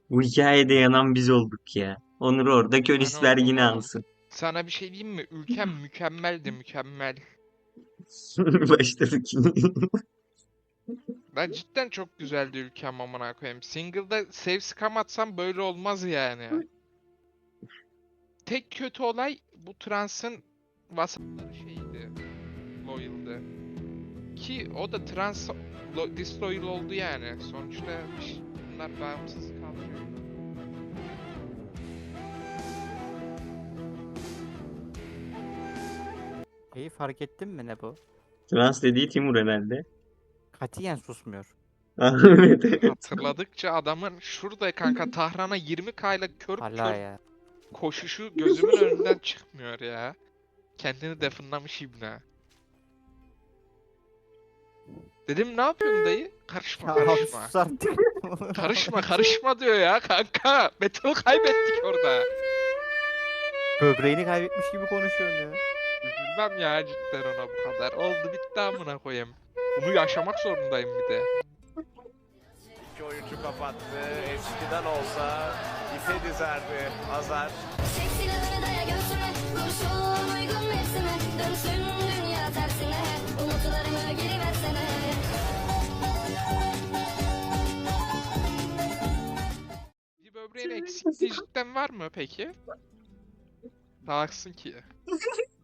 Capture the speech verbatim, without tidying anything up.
Bu hikayede yanan biz olduk ya. Onur orada Sen Königsberg oldun yine oğlum. alsın. Sana bir şey diyeyim mi? Ülkem mükemmeldi, mükemmel. Başladık yine. Ben cidden çok güzeldi ülkem, amına koyayım. Single'da save scam atsam böyle olmaz yani. Tek kötü olay bu transın vasatları şeydi. Loyal'dı. Ki o da trans lo- disloyal oldu yani. Sonuçta ş- bunlar bağımsız kalmıyor. Şeyi fark ettin mi ne bu? Trans dediği Timur herhalde. Katiyen susmuyor. Evet, evet. Hatırladıkça adamın şurada kanka Tahran'a yirmi K ile kör Hala kör ya. koşuşu gözümün önünden çıkmıyor ya. Kendini definlamış ibne. Dedim ne yapıyorsun dayı? Karışma Ya abi karışma. sus artık. Karışma karışma diyor ya kanka. Battle kaybettik orada. Böbreğini kaybetmiş gibi konuşuyorsun ya. Üzülmem ya cidden ona bu kadar. Oldu bitti amına koyayım. Bunu yaşamak zorundayım bir de. İki oyuncu kapattı. Eskiden olsa ipe dizerdi Hazar. Çek silahını daya göğsüme, kurşun uygun mevsime. Dönsün dünya tersine, umutlarımı geri versene. Bir böbreğin eksikliği cidden var mı peki? Sağaksın ki.